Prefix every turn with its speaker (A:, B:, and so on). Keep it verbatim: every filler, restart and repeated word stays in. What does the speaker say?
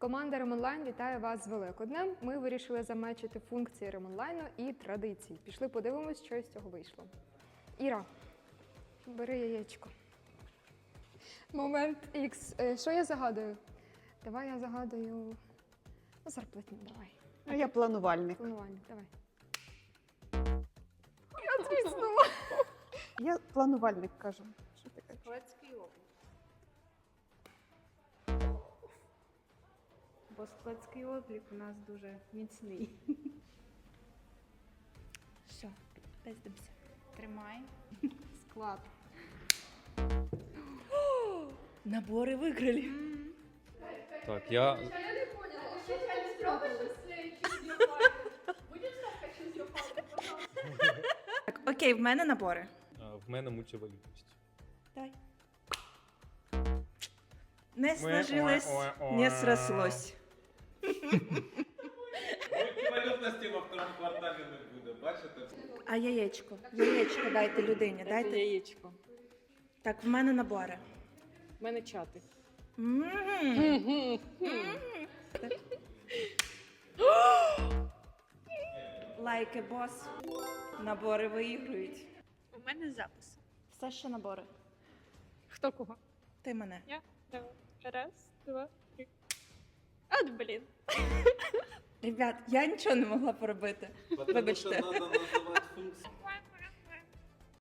A: Команда Ремонлайн вітає вас з Великоднем. Ми вирішили замечити функції Ремонлайну і традиції. Пішли подивимось, що з цього вийшло. Іра, бери яєчко. Момент Х. Е, Що я загадую? Давай я загадую... Ну, зарплатню, давай.
B: А я планувальник.
A: Планування, давай. Я звіснула.
B: Я планувальник кажу. Що ти кажеш?
C: Складський облік. Бо складський облік у нас дуже міцний.
D: Все, пиздимося.
C: Тримай. Склад.
D: Набори виграли.
E: Так, я...
D: Так, окей, в мене набори.
E: а, В мене мультивалютність.
D: Давай. Не сложилось, не срослось.
E: Мультивалютності во второму кварталі не буде, бачите?
D: А яєчко? Яєчко дайте людині, дайте.
C: Яєчко.
D: Так, в мене набори.
C: У мене чати.
D: М. Лайки, бос. Набори виіграють.
F: У мене запис.
D: Все ще набори.
F: Хто кого?
D: Ти мене.
F: Я? Давай. Раз, два, три. От, блін.
D: Ребят, я нічого не могла поробити. Вибачте.
E: Тому що треба називати функцію.